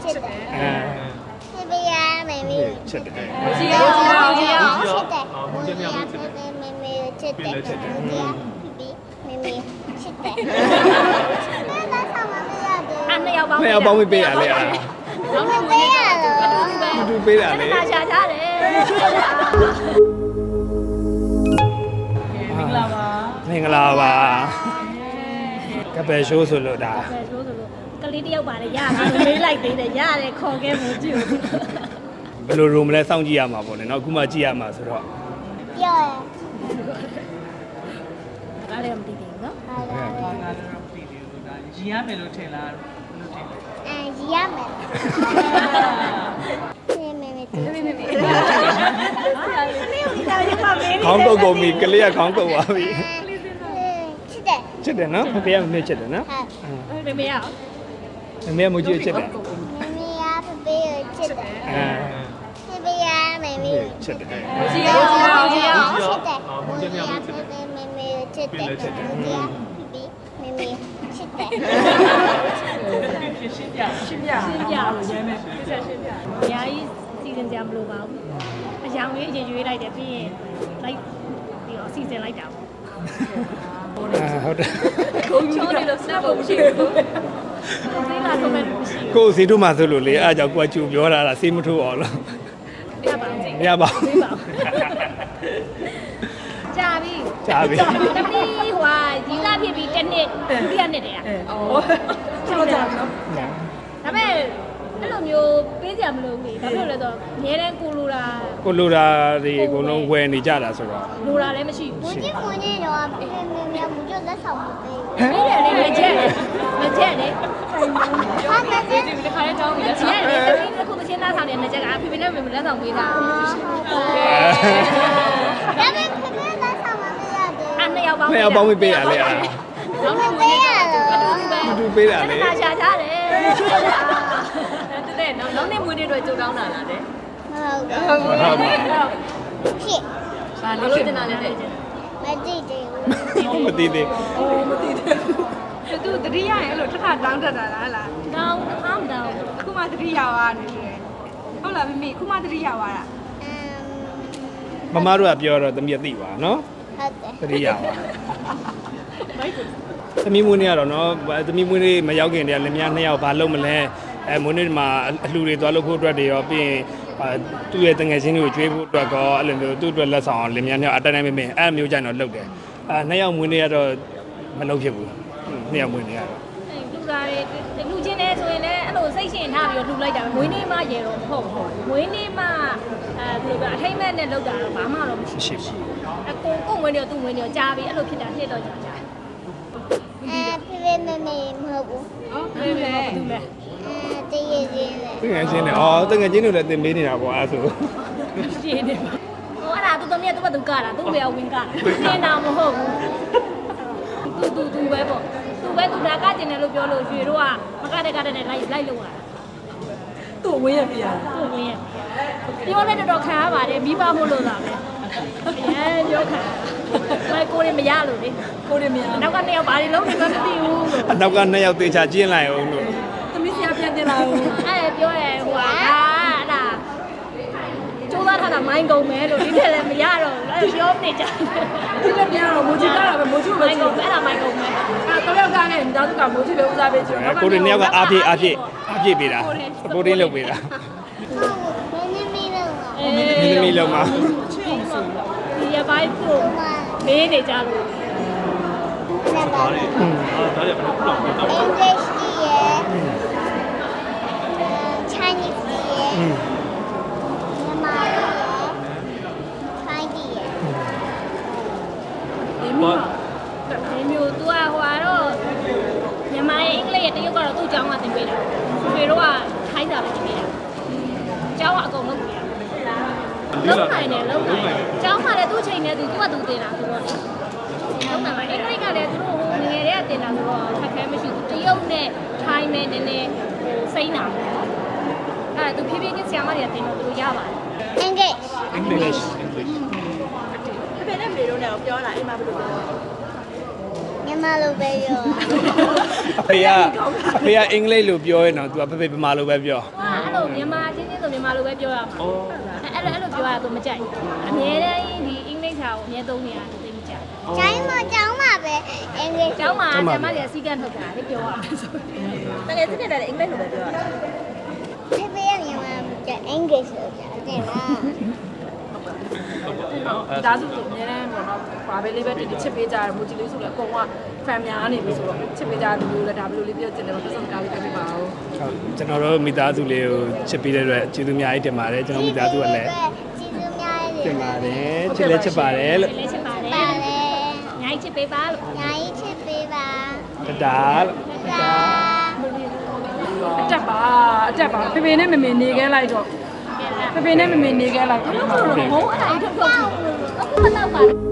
ချက်တယ်ဖေဖေကမမေကိုချက်တယ်ကြည့်အောင်ချက်တယ်မူဖေဖေမမေကိုချက်တယ်ဖေဖေမမေချက်တယ်ဒါဆောင်မမရတယ်နှစ်ယောက်ပေါင်းနှစ်ယောက်ပေါင်းပေးရလေအားမပေးရတော့တူပေးတာလေဒါရှာကြတယ်မင်္ဂလာပါမင်္ဂလာပါကပယ်ရှိုးဆိုလို့ဒါပဲဆိုလို့ကလေးတယောက်ပါလေရမှာမေးလိုက်သေးတယ်ရတယ်ခေါ်ခဲ့မှုကြည့်ဘယ်လိုရုံမလဲစောင့်ကြည့်ရမှာပေါ့လေနော်အခုမှကြည့်ရမှာဆိုတော့ပြောရဒါလည်းမသိသေးဘူးနော်ဟာလာရီရမယ်လို့ထင်လားလို့ထင်တယ်ရီရမယ်ဖေမမေဖေမမေခေါင်းကုတ်ကုန်ပြီကလေးကခေါင်းကုတ်သွားပြီချက်တယ်ချစ်တယ်နော်ဖေကမမေ့ချစ်တယ်နော်မေမေရအောင်မမေကမူကြီးချစ်တယ်မမေကဖေဖေကိုချက်တယ်ဖေဖေကမမေကိုချစ်တယ်ကြည့်အောင်ကြည့်အောင်ချက်တယ်မမေကဖေဖေမမေကိုချက်တယ်ဖေဖေမမေချက်တယ်ရှင်းပြရှင်းပြရှင်းပြရဲမယ်ရှင်းပြအများကြီးစီစဉ်ကြမလို့ပါဘူးအယောင်လေးအရင်ရွေးလိုက်တယ်ပြီးရင်လိုက်ပြီးတော့စီစဉ်လိုက်တာပေါ့ဟုတ်တယ်ကိုချိုးနေလို့စဖို့မရှိဘူးသေးလာတော့မရှိဘူးကိုယ်စီတို့မှဆိုလို့လေအားကြောင့်ကိုကကျူပြောတာလားစေးမထိုးအောင်လို့ပြပါအောင်မရပါဘူးသေးပါကြာပြီကြာပြီတမီးဟိုဒီကဖြစ်ပြီးတစ်နှစ်ဒုတိယနှစ်တည်းอ่ะဟုတ်ကြနော်ဒါပေမဲ့အဲ့လိုမျိုးပေးကြမလို့ဘူးဘာဖြစ်လို့လဲဆိုတော့အများတန်းကိုလိုတာကိုလိုတာတွေအကုန်လုံးဝယ်နေကြတာဆိုတော့လိုတာလည်းမရှိမဘူးကြီးမကြီးတော့ဖေဖေမမေမကြီးလက်ဆောင်မပေးပေးတယ်လေမကြက်မကြက်လေဘူးဟာမကြီးဒီတစ်ခါလေးတောင်းပြီးလက်ဆောင်ပေးတယ်တမီးတစ်ခုတစ်ချင်းသားဆောင်နေမကြက်ကဖေဖေနဲ့မေမေလက်ဆောင်ပေးတာဒါပေမဲ့ဖေဖေလက်ဆောင်မပေးရသေးအဲ့နှစ်ယောက်ပေါင်းနှစ်ယောက်ပေါင်းပေးရလေအားတော့ဘူးမပေးရတော့တူပေးတာလေဒါရှာကြတယ်တဲ့နောက်နေ့မွေးနေ့တော့ကြိုတောင်းတာလားတဲ့ဟုတ်ဟုတ်ပါဖြစ်ဘာလို့တင်တာလဲတဲ့မကြည့်သေးဘူးမသိသေးမသိတယ်သူတတိယရဲ့အဲ့လိုတစ်ခါတောင်းတတ်တာလားဟလားတောင်းတောင်းတောင်းအခုမှတတိယသွားနေတယ်ဟုတ်လားမမေအခုမှတတိယသွားတာမမတို့ကပြောတော့သမီးကသိပါနော်ဟုတ်တယ်သတိရပါသမီးမွေးနေ့ကတော့နော်သမီးမွေးနေ့မရောက်ခင်တည်းကလင်မယားနှစ်ယောက်ဘာလုပ်မလဲမွေးနေ့မှာအလှူတွေသွားလုပ်ဖို့အတွက်တွေရောပြီးရင်သူ့ရဲ့တငယ်ချင်းတွေကိုကျွေးဖို့အတွက်ကောအဲ့လိုမျိုးသူ့အတွက်လက်ဆောင်လင်မယားနှစ်ယောက်အတိုင်းတိုင်းမင်းအဲ့မျိုးကြိုင်တော့လုပ်တယ်နှစ်ယောက်မွေးနေ့ကတော့မလုပ်ဖြစ်ဘူးနှစ်ယောက်မွေးနေ့ကတော့လူသားတွေလူချင်းနေဆိုရင်လည်းအဲ့လိုစိတ်ရှင်ထားပြီးတော့လှူလိုက်တာမွေးနေ့မှရေတော့မဟုတ်ဘူးမွေးနေ့မှဘယ်လိုပြောအထိမ့်မဲ့နဲ့လောက်တာတော့ဘာမှတော့မရှိဘူးအကိုမွေးနေ့တော့သူ့မွေးနေ့တော့ကြားပြီးအဲ့လိုဖြစ်တာနှစ်တော့ကြာကြာဖေဖေမမေမဟုတ်ဘူးဟုတ်ပြီပဲသူလဲတည့်ရည်ချင်းလေတငယ်ချင်းတွေတငယ်ချင်းတွေလည်းတင်ပေးနေတာပေါ့အဲ့ဆိုရှင်းနေဟိုအဲ့ဒါသူသမီးကသူ့ဘသူကတာသူ့ဘယ်အောင်ဝင်ကတာနေတာမဟုတ်ဘူးသူပဲပေါ့သူပဲသူနာကကျင်တယ်လို့ပြောလို့ရွှေတို့ကမကတဲ့ကတဲ့နဲ့လိုက်လို့ရတာသူ့ဝင်းရပြရသူ့ဝင်ရပြောလဲတော်တော်ခံရပါတယ်မိဘမို့လို့သာပဲအရင်ပြောခံမကိုရမရလို့လေကိုရမရနောက်ကနှစ်ယောက်ဘာတွေလုံးနေမှမသိဘူးလို့အနောက်ကနှစ်ယောက်သေချာကျင်းလိုက်အောင်လို့သမီးဆရာပြန်တင်လာဦးအဲ့ပြောရဲဟိုဟာအဲ့ဒါကျိုးသားထားတာမိုင်းကုန်မယ်လို့ဒီထက်လည်းမရတော့ဘူးပြောနေကြဒီလည်းပြန်တော့မိုးချီကားတာပဲမိုးချီပဲမိုင်းကုန်အဲ့ဒါမိုင်းကုန်မယ်အဲ့တော့ယောက်ကနေတောင်းကမိုးချီပဲဦးစားပေးကြည့်တော့ကိုတွေနှစ်ယောက်ကအားပြေးပေးတာစပိုးတင်းလုပ်ပေးတာမင်းမီလုံးတော့မိသမီးလုံးမှာဒီရပိုင်းကိုမေးနေကြလို့ဆက်ပါ English ကြီးရယ် Chinese ကြီးရယ်မြန်မာကြီးရယ် Thai ကြီးရယ်ဒီမျိုးသူကဟိုကတော့မြန်မာရဲ့အင်္ဂလိပ်ရဲ့တရုတ်ကတော့သူ့အကြောင်းကသင်ပေးတာဖေတို့ကထိုင်းစာပဲသင်ပေးတာအကြောင်းကအကုန်လုံးပြရလုံးနိုင်တယ်လုံးနိုင်အကြောင်းမှလည်းသူ့ချိန်နဲ့သူကသူတင်တာဆိုတော့လုံးနိုင်ပါအင်္ဂလိပ်ကလည်းသူတို့ဟိုငယ်တွေကတင်တာဆိုတော့ခက်ခဲမရှိဘူးတရုတ်နဲ့ထိုင်းနဲ့နည်းနည်းဟိုစိမ့်တာပေါ့အဲ့ဒါသူဖြည်းဖြည်းချင်းဆရာမတွေကတင်တော့သူတို့ရပါတယ် English English အဖေနဲ့မေတို့နဲ့ပြောတာအိမ်မှာဘယ်လိုပြောညီမြန်မာလိုပဲပြောအဖေကအင်္ဂလိပ်လိုပြောရင်တော့ तू အဖေဗမာလိုပဲပြောဟာအဲ့လိုမြန်မာချင်းချင်းဆိုမြန်မာလိုပဲပြောရမှာအဲ့လိုပြောရတော့မကြိုက်အမြဲတမ်းဒီအင်္ဂလိပ်စာကိုအမြဲသုံးနေတာသိမကြိုက်ကျိုင်းမကျောင်းမှာပဲအင်္ဂလိပ်ကျောင်းမှာဆရာမတွေကစီကံထုတ်တာလေပြောရမယ်ဆိုတကယ်စစ်နေတာလည်းအင်္ဂလိပ်လိုပဲပြောတာဖေဖေကမြန်မာကျအင်္ဂလိပ်ဆိုကြတယ်လားဒါဆိုသူအများနဲ့ပေါ့နော်ဘာပဲလေးပဲဒီချစ်ပေးကြရမို့ဒီလေးဆိုလည်းအကုန်က fan များနေပြီဆိုတော့ချစ်ပေးကြတယ်လို့လည်းဒါဘယ်လိုလေးပြောချင်တယ်ပတ်စံကားလေးပြပေးပါဦးဟုတ်ကျွန်တော်တို့မိသားစုလေးကိုချစ်ပြီးတဲ့အတွက်ကျေးဇူးအများကြီးတင်ပါတယ်ကျွန်တော်မိသားစုကလည်းကျေးဇူးများရတင်ပါတယ်ချစ်လဲချစ်ပါတယ်လို့လည်းချစ်ပါတယ်ပါလေညာကြီးချစ်ပေးပါလို့ညာကြီးချစ်ပေးပါတဒါလို့ဒါအတက်ပါဖေဖေနဲ့မမေနေခဲ့လိုက်တော့ဖေဖေနဲ့မမေနေခဲ့လိုက်တော့ဟုတ်အဲ့ဒါထုတ်ထုတ်အခုမတော့ပါ